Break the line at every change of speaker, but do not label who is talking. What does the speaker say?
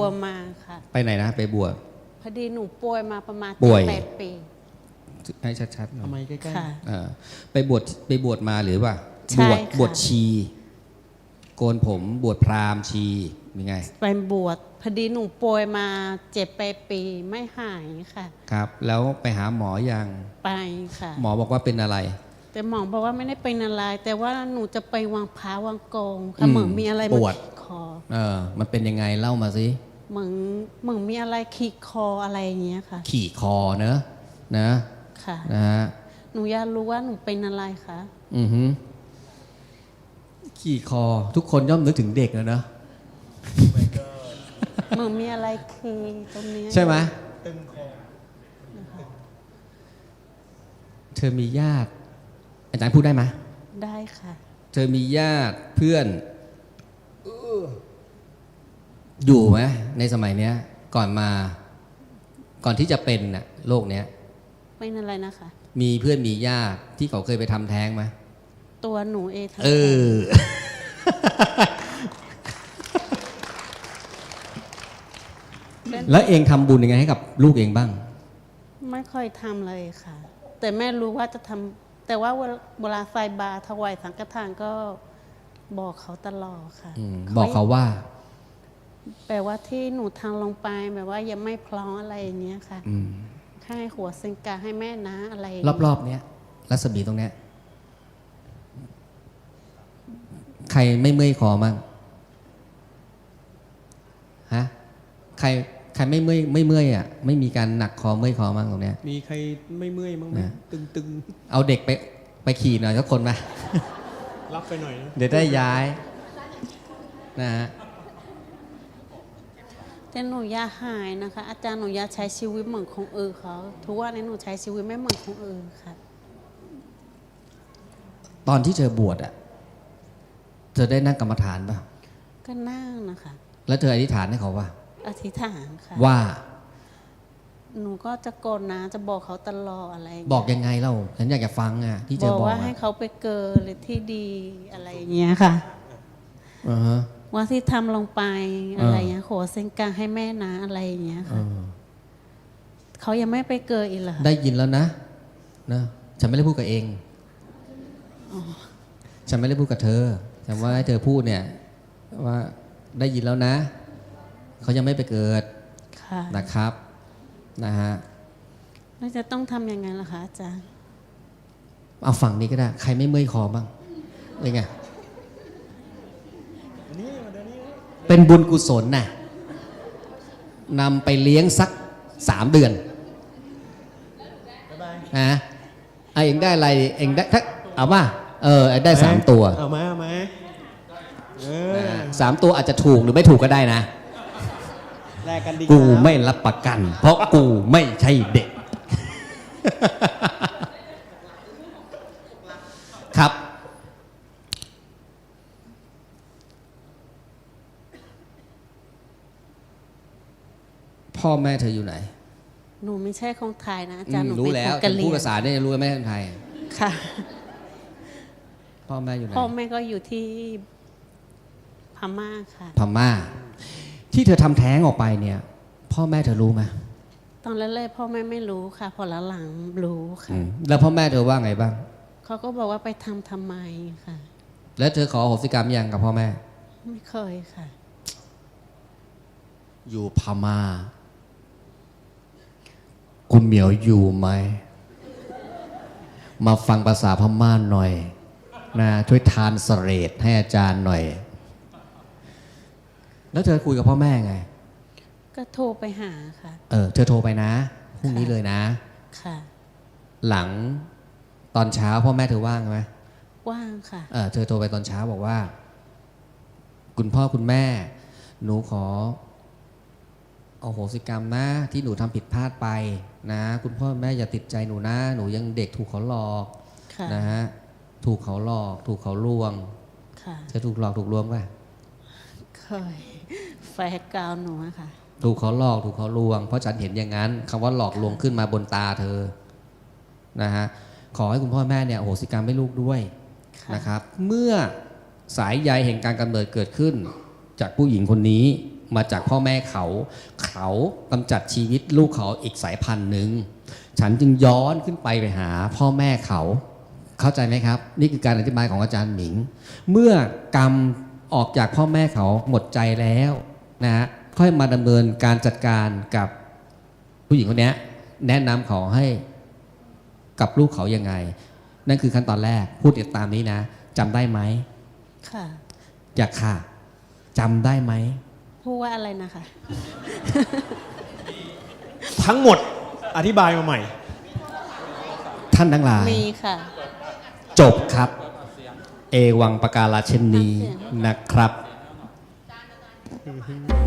มาค่ะ
ไปไหนนะไปบวช
พอดีหนูป่วยมาประมาณ8 ปี
ให้ชัดๆหน่อย
ทำไมใกล้
ค่ะ
ไปบวชมาหรือว่า
ใช่
บวช
ค่ะ
ชีโกนผมบวชพราหมณ์ชีมีไง
ไปบวชพอดีหนูป่วยมา7-8 ปีไม่หายค่ะ
ครับแล้วไปหาหมอยัง
ไปค่ะ
หมอบอกว่าเป็นอะไร
แต่หมอบอกว่าไม่ได้เป็นอะไรแต่ว่าหนูจะไปวางพาวางกองค่ะเหมือนมีอะไรมาขีดคอ
มันเป็นยังไงเล่ามาสิ
เหมือนมีอะไรขีดคออะไรอย่างเงี้ยค่ะ
ขี่คอเนอะนะ
ค่ะ
นะฮะ
หนูอยากรู้ว่าหนูเป็นอะไรคะ
ขี่คอทุกคนย่อมนึกถึงเด็กนะ
เหมือนมีอะไรคือตรงนี้
ใช่ไหม
ตึงคอ
เธอมีญาติอาจารย์พูดได้ไหม
ได้ค่ะ
เธอมีญาติเพื่อนอยู่ไหมในสมัยเนี้ยก่อนที่จะเป็นน่ะโรคเนี้ย
เป็นอะไรนะคะ
มีเพื่อนมีญาติที่เขาเคยไปทำแท้งไหม
ตัวหนูเอง
แล้วเองทำบุญยังไงให้กับลูกเองบ้าง
ไม่ค่อยทำเลยค่ะแต่แม่รู้ว่าจะทำแต่ว่าเวลาใส่บาตรถวายสังฆทานก็บอกเขาตลอดค่ะ
บอกเขาว่า
แปลว่าที่หนูทางลงไปแบบว่ายังไม่พร้อมอะไรอย่างเงี้ยค่ะให้หัวเซนกาให้แม่นะอะไร
รอบๆเนี้ยรัศมีตรงเนี้ยใครไม่เมื่อยคอมั่งฮะใครไม่เมื่อยอ่ะไม่มีการหนักคอเมื่อยคอมั่งตรงเนี้ย
มีใครไม่เมื่อยมั้งไหมตึง
เอาเด็กไปขี่หน่อยสักคนมา
รับไปหน่อยนะ
เดี๋ยวได้ย้ายนะฮะ
แต่หนูอยากหายนะคะอาจารย์หนูอยากใช้ชีวิตเหมือนของเขาทุกวันนี้หนูใช้ชีวิตไม่เหมือนของค่ะ
ตอนที่เธอบวชอ่ะเธอได้นั่งกรรมฐานป่ะ
ก็นั่งนะคะ
แล้วเธออธิษฐานให้เขาว่า
อธิษฐานค่ะ
ว่า
หนูก็จะกดนะจะบอกเขาตลอดอะไร
บอกยังไงเล่าฉันอยากจะฟังอ่ะที่เธอบอก
ว่าให้เขาไปเกิดหรือที่ดีอะไรอย่างเงี้ยค่ะว่าที่ทำลงไปอะไรเงี้ยขอเส้นกลางให้แม่นะอะไรอย่างเงี้ยค่ะเขายังไม่ไปเกิดอีกเหรอ
ได้ยินแล้วนะฉันไม่ได้พูดกับเองฉันไม่ได้พูดกับเธอฉันว่าให้เธอพูดเนี่ยว่าได้ยินแล้วนะเขายังไม่ไปเกิดนะครับนะฮะ
แล้วจะต้องทำยังไงล่ะคะอาจารย์
เอาฝั่งนี้ก็ได้ใครไม่เมื่อยคอบ้างเป็นไงเป็นบุญกุศลน่ะนำไปเลี้ยงสัก3 เดือนนะเองได้อะไรเองได้ถ้าเอาว่าได้3 ตัว
เอาไหม
3 ตัวอาจจะถูกหรือไม่ถูกก็ได้นะ
แลกกันดี
กูไม่รับประกัน เพราะกูไม่ใช่เด็กครับพ่อแม่เธออยู่ไหน
หนูไม่ใช่คนไทยนะอาจารย์หนู
รู้แล้วพูดภาษาได้รู้ไหมคนไทย
ค่ะ
พ่อแม่อยู่ไหน
พ่อแม่ก็อยู่ที่พม่าค่ะ
พม่าที่เธอทำแท้งออกไปเนี่ยพ่อแม่เธอรู้ไหม
ตอนแรกๆพ่อแม่ไม่รู้ค่ะพอหลังๆรู้ค่ะ
แล้วพ่อแม่เธอว่าไงบ้าง
เขาก็บอกว่าไปทำไมค่ะ
แล้วเธอขออโหสิกรรมยังกับพ่อแม่
ไม่เคยค่ะ
อยู่พม่าคุณเหมียวอยู่ไหมมาฟังภาษาพม่าหน่อยนะช่วยทานสเรดให้อาจารย์หน่อยแล้วเธอคุยกับพ่อแม่ไง
ก็โทรไปหาค่ะ
เธอโทรไปนะพรุ่งนี้เลยนะ
ค่ะ
หลังตอนเช้าพ่อแม่เธอว่างไหม
ว่างค่ะ
เธอโทรไปตอนเช้าบอกว่าคุณพ่อคุณแม่หนูขอเอาโหสิกรรมนะที่หนูทำผิดพลาดไปนะคุณพ่อแม่อย่าติดใจหนูนะหนูยังเด็กถูกเขาหลอกนะฮะถูกเขาหลอกถูกเขาลวงจะถูกหลอกถูกลวงป่ะ
เคยแฟนกาวหนูค่ะ
ถูกเขาหลอกถูกเขาลวงเพราะฉันเห็นอย่างนั้นคำว่าหลอกลวงขึ้นมาบนตาเธอนะฮะขอให้คุณพ่อแม่เนี่ยโหสิกรรมให้ลูกด้วยนะครับเมื่อสายใยแห่งการกำเนิดเกิดขึ้นจากผู้หญิงคนนี้มาจากพ่อแม่เขากำจัดชีวิตลูกเขาอีกสายพันธุ์หนึ่งฉันจึงย้อนขึ้นไปหาพ่อแม่เขาเข้าใจไหมครับ นี่คือการอธิบายของอาจารย์หมิง เมื่อกรรมออกจากพ่อแม่เขาหมดใจแล้วนะฮะค่อยมาดำเนินการจัดการกับผู้หญิงคนนี้แนะนำเขาให้กับลูกเขายังไง นั่นคือขั้นตอนแรกพูดติดตามนี้นะจำได้ไหม
ค่ะ
อยากค่ะจำได้ไหม
พูดว่าอะไรนะคะ
ทั้งหมดอธิบายมาใหม่
ท่านทั้งหลาย
มีค่ะ
จบครับ เอวังปการาเช่นนี้นะครับ